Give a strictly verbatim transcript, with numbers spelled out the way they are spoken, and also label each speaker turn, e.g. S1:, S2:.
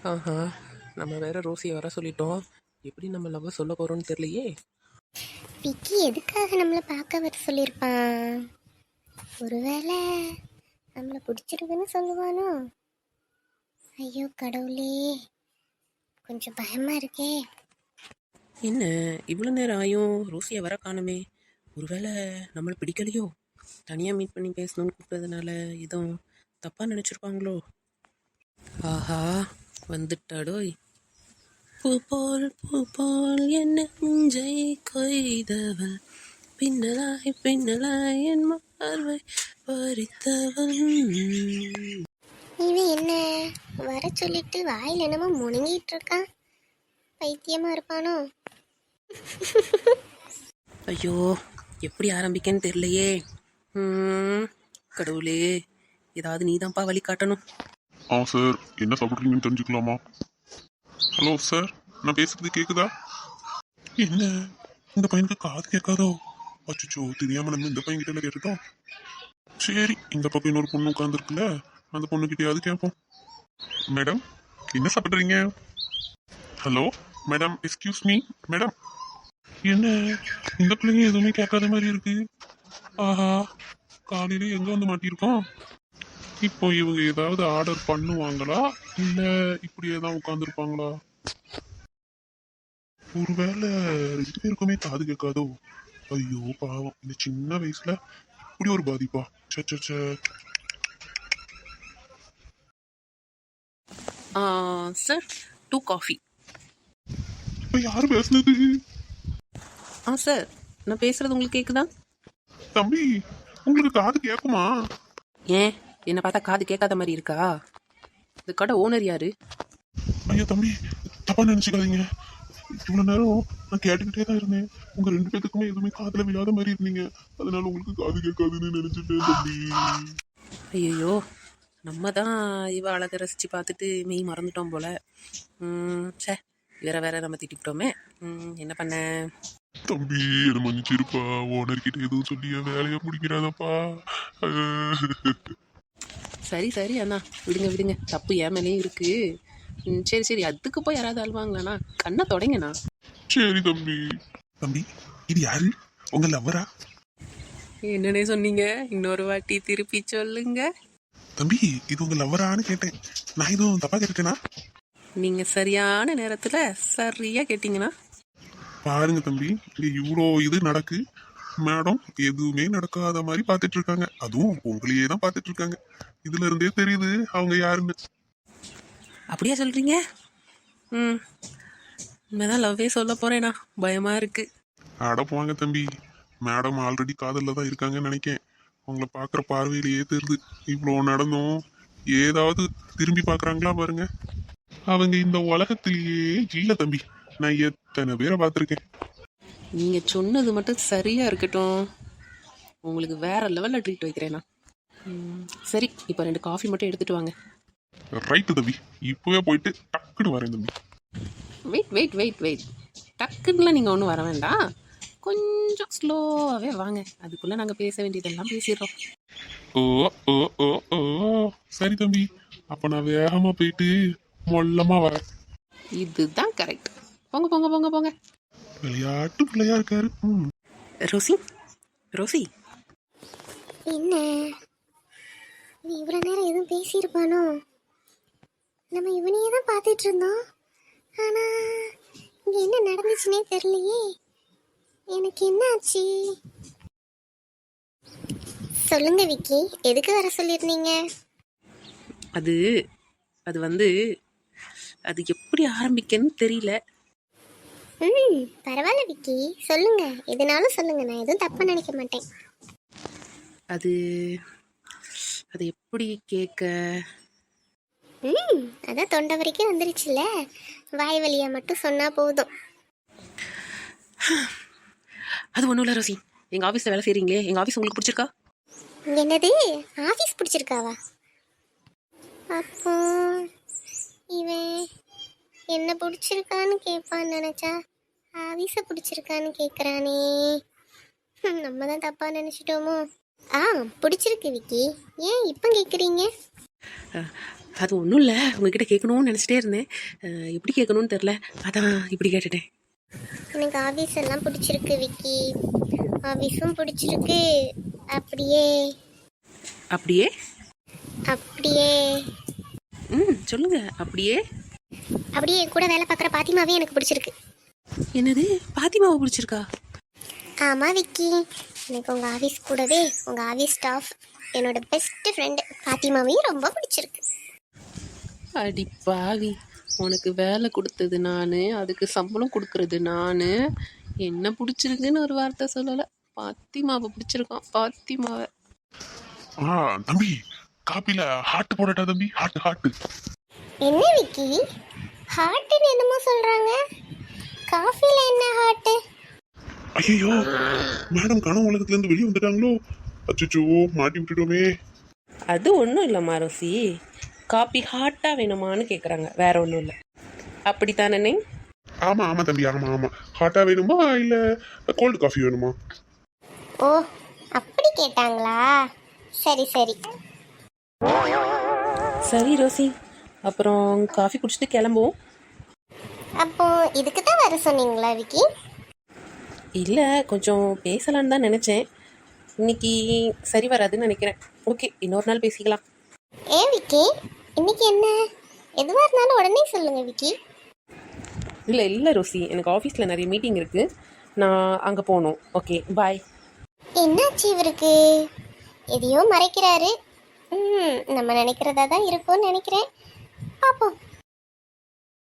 S1: ஆஹா, நம்ம வேற ரோசியை வர சொல்லிட்டோம். எப்படி நம்ம லவ் சொல்ல போறோம்னு தெரியலையே.
S2: விக்கி எதுக்காக நம்மளை பார்க்க வர சொல்லியிருப்பான்? ஒருவேளை நம்மளை பிடிச்சிருக்குன்னு சொல்லுவானோ? ஐயோ கடவுளே, கொஞ்சம் பயமா இருக்கே.
S1: என்ன இவ்வளோ நேரம் ஆயும் ரோசியை வர காணுமே? ஒருவேளை நம்மளை பிடிக்கலையோ? தனியாக மீட் பண்ணி பேசணும்னு கூப்பிட்டதுனால எதுவும் தப்பாக நினச்சிருப்பாங்களோ? ஆஹா, வந்துட்டாடோய். பூ போல் பூ போல் என்ன நெஞ்சை கொய்தவள், பின்னலாய் பின்னலாய் என் பார்வை பறித்தவள்.
S2: இவன் என்ன வர சொல்லிட்டு வாயில் என்னமோ முணங்கிட்டு இருக்கான்? பைத்தியமா இருப்பானோ?
S1: ஐயோ, எப்படி ஆரம்பிக்கன்னு தெரியலையே. ம், கடவுளே, ஏதாவது நீதான்ப்பா வழி காட்டணும்.
S3: ஆ சார், என்ன சாப்பிட்றீங்கன்னு தெரிஞ்சுக்கலாமா? ஹலோ சார், நான் பேசுறது கேக்குதா? என்ன இந்த பையனுக்கு காது கேட்காதோ? அச்சோ, தெரியாம நம்ம இந்த பையன் கிட்ட கேட்டுட்டோம். சரி, இந்த பக்கம் இன்னொரு பொண்ணு உட்காந்துருக்குல்ல, அந்த பொண்ணுகிட்டயாவது கேட்போம். மேடம், என்ன சாப்பிட்றீங்க? Hello madam, excuse me madam. என்ன இந்த பிள்ளைங்க எதுவுமே கேட்காத மாதிரி இருக்கு. ஆஹா, காலையில எங்க வந்து மாட்டியிருக்கோம்? இப்போ இவங்க ஏதாவது ஆர்டர் பண்ணுவாங்களா இல்ல இப்படியே தான் உட்காந்துருப்பாங்களா? ஒருவேளை ரெண்டு பேருக்குமே காது கேட்காதோ? ஐயோ பாவம், இந்த சின்ன வயசுல இப்படி ஒரு பாதிப்பா. சே.
S1: Sir, two coffee.
S3: இப்ப யாரு பேசுனது?
S1: ஆ சார், நான் பேசுறது உங்களுக்கு கேட்குதா?
S3: தம்பி, உங்களுக்கு காது கேட்குமா?
S1: ஏன் என்னை பார்த்தா காது கேட்காத மாதிரி இருக்கா? இந்த கடை ஓனர் யாரு?
S3: ஐயா தம்பி, தப்பா நினைச்சுக்காதீங்க. இவ்வளவு நேரம் நான் கேட்டுக்கிட்டே தான் இருந்தேன். உங்க ரெண்டு பேத்துக்குமே எதுவுமே காதுல விழாத மாதிரி இருந்தீங்க. அதனால உங்களுக்கு காது கேட்காதுன்னு நினைச்சிட்டேன் தம்பி.
S1: ஐயோ, நம்ம தான் இவ அழகை ரசித்து பார்த்துட்டு மெய் மறந்துட்டோம் போல. ம், சே, வேற வேற நம்ம திட்டிக்கிட்டோமே. ம், என்ன பண்ண?
S3: தம்பி, என்ன மன்னிச்சிருப்பா. ஓனர் கிட்ட எதுவும் சொல்லி என் வேலையை முடிக்கிறாதப்பா.
S1: சரி சரி அண்ணா, விடுங்க விடுங்க, தப்பு என் மேலேயும் இருக்கு. ம், சரி சரி, அதுக்கு போய் யாராவது அழுவாங்களாண்ணா? கண்ணை தொடங்கண்ணா.
S3: சரி தம்பி. தம்பி, இது யாரு? உங்க லவ்வரா?
S1: என்னன்னே சொன்னீங்க? இன்னொரு வாட்டி திருப்பி சொல்லுங்க.
S3: தம்பி, இது உங்க லவ்வரான்னு கேட்டேன். நான் எதுவும் தப்பா கேட்டேனா?
S1: நீங்க சரியான நேரத்துல சரியா கேட்டீங்கன்னா.
S3: பாருங்க தம்பி, இங்க இவ்வளோ இது நடக்கு, மேடம் எதுவுமே நடக்காத மாதிரி பார்த்துட்டு இருக்காங்க. அதுவும் உங்களையே தான் பார்த்துட்டு இருக்காங்க. இதுல இருந்தே தெரியுது அவங்க யாருன்னு.
S1: அப்படியா சொல்றீங்க? ம், இனிமேதான் லவ்வே சொல்ல போறேண்ணா, பயமா இருக்கு.
S3: அட போங்க தம்பி, மேடம் ஆல்ரெடி காதல்ல தான் இருக்காங்கன்னு நினைக்கேன். அவங்கள பார்க்குற பார்வையிலேயே தெரியுது. இவ்வளோ நடந்தும் ஏதாவது திரும்பி பார்க்குறாங்களா பாருங்க. அவங்க இந்த உலகத்திலேயே இல்லை தம்பி. நான் எத்தனை பேரை பார்த்துருக்கேன்.
S1: நீங்க சொன்னது மட்டும் சரியா இருக்கட்டும், உங்களுக்கு வேற லெவல்ல ட்ரீட் வைக்கிறேண்ணா. ம், சரி, இப்போ ரெண்டு காஃபி மட்டும் எடுத்துட்டு வாங்க.
S3: ரைட்டு தம்பி, இப்போவே போயிட்டு டக்குன்னு வரேன் தம்பி.
S1: வெயிட் வெயிட் வெயிட் வெயிட் டக்குன்னுலாம் நீங்கள் ஒன்றும் வர வேண்டாம். கொஞ்சம் ஸ்லோவாகவே வாங்க, அதுக்குள்ளே நாங்கள் பேச வேண்டியதெல்லாம் பேசிடுறோம்.
S3: ஓ ஓ ஓ ஓ சரி தம்பி, அப்போ நான் வேகமாக போயிட்டு மொல்லமாக வரேன்.
S1: இதுதான் கரெக்ட். போங்க போங்க போங்க போங்க.
S3: விளையாட்டு பிள்ளையா இருக்காரு. ம்.
S1: ரோசி, ரோசி,
S2: என்ன இவ்வளோ நேரம் எதுவும் பேசியிருப்பானோ? நம்ம இவனையே தான் பார்த்துட்டு இருந்தோம். ஆனா இங்க என்ன நடந்துச்சுன்னே தெரியலையே. எனக்கு என்ன ஆச்சு? சொல்லுங்க விக்கி, எதுக்கு வர சொல்லியிருந்தீங்க?
S1: அது அது வந்து அது எப்படி ஆரம்பிக்கன்னு தெரியல.
S2: ம், பரவாயில்ல விக்கி, சொல்லுங்க, எதுனாலும் சொல்லுங்க, நான் எதுவும் தப்பா நினைக்க மாட்டேன்.
S1: அது அது எப்படி கேட்க?
S2: ம், அதான் தொண்டை வரைக்கும் வந்துருச்சுல்ல, வாய் வழியா மட்டும் சொன்னா போதும்.
S1: அது ஒன்றும் இல்லை ரோசி, எங்கள் ஆஃபீஸில் வேலை செய்கிறீங்களே, எங்கள் ஆஃபீஸ் உங்களுக்கு பிடிச்சிருக்கா?
S2: என்னது, ஆஃபீஸ் பிடிச்சிருக்காவா? அப்போ இவன் என்ன பிடிச்சிருக்கான்னு கேட்பான்னு நினச்சா ஆஃபீஸை பிடிச்சிருக்கான்னு கேட்குறானே. நம்ம தான் தப்பாக நினச்சிட்டோமோ? ஆ, பிடிச்சிருக்கு விக்கி. ஏன் இப்போ கேட்குறீங்க?
S1: அது ஒன்றும் இல்லை, உங்ககிட்ட கேட்கணும்னு நினச்சிட்டே இருந்தேன். அஹ், எப்படி கேட்கணும்னு தெரில, அதான் இப்படி கேட்டுட்டேன்.
S2: எனக்கு ஆஃபீஸ் எல்லாம் பிடிச்சிருக்கு விக்கி. ஆஃபீஸும் பிடிச்சிருக்கு. அப்படியே
S1: அப்படியே?
S2: அப்படியே
S1: ம் சொல்லுங்க. அப்படியே?
S2: அப்படியே கூட வேலை பார்க்குற பாத்திமாவே எனக்கு பிடிச்சிருக்கு.
S1: என்னது, பாத்திமாவை பிடிச்சிருக்கா?
S2: ஆமாம் விக்கி, எனக்கு உங்கள் ஆஃபீஸ் கூடவே உங்கள் ஆஃபீஸ் ஸ்டாஃப் என்னோட பெஸ்ட் ஃப்ரெண்டு பாத்திமாவையும் ரொம்ப பிடிச்சிருக்கு.
S1: அடி பாவி, உனக்கு வேலை கொடுத்தது நான், அதுக்கு சம்பளம் கொடுக்கறது நான். என்ன பிடிச்சிருக்குன்னு ஒரு வார்த்தை சொல்லலை. பாத்திமாவை பிடிச்சிருக்கான், பாத்திமாவை.
S3: ஆ தம்பி, காப்பில ஹார்ட் போடட்டா தம்பி? Heart heart.
S2: என்ன விக்கி, ஹார்ட்டுன்னு என்னமோ சொல்கிறாங்க. காஃபியில் என்ன ஹார்ட்டு?
S3: ஐயோ, மேடம் கனவு உலகத்துல இருந்து வெளியே வந்துட்டாங்களோ? அச்சோ, மாட்டி விட்டுட்டோமே.
S1: அது ஒன்றும் இல்லைம்மா ரோசி, காப்பி ஹாட்டாக வேணுமான்னு கேட்குறாங்க, வேற ஒன்றும் இல்லை. அப்படித்தானே?
S3: ஆமா ஆமா தம்பி, ஆமா ஆமா. ஹாட்டா வேணுமா இல்ல கோல்டு காஃபி வேணுமா?
S2: ஓ, அப்படி கேட்டாங்களா? சரி சரி.
S1: சரி ரோசி, அப்புறம் காஃபி குடிச்சிட்டு கிளம்புவோம்.
S2: அப்போ இதுக்கு தான் வர சொன்னீங்களா விக்கி?
S1: இல்லை, கொஞ்சம் பேசலான்னு தான் நினச்சேன். இன்னைக்கு சரி வராதுன்னு நினைக்கிறேன். ஓகே, இன்னொரு நாள் பேசிக்கலாம்.
S2: ஏன் விக்கி, இன்னைக்கு என்ன? எதுவாக இருந்தாலும் உடனே சொல்லுங்க விக்கி.
S1: இல்லை இல்லை ரோசி, எனக்கு ஆஃபீஸில் நிறைய மீட்டிங் இருக்குது, நான் அங்கே போகணும். Okay, bye.
S2: என்னாச்சு இவருக்கு? எதையோ மறைக்கிறாரு. ம் நம்ம நினைக்கிறதா தான் இருக்கும்னு நினைக்கிறேன். பார்ப்போம்.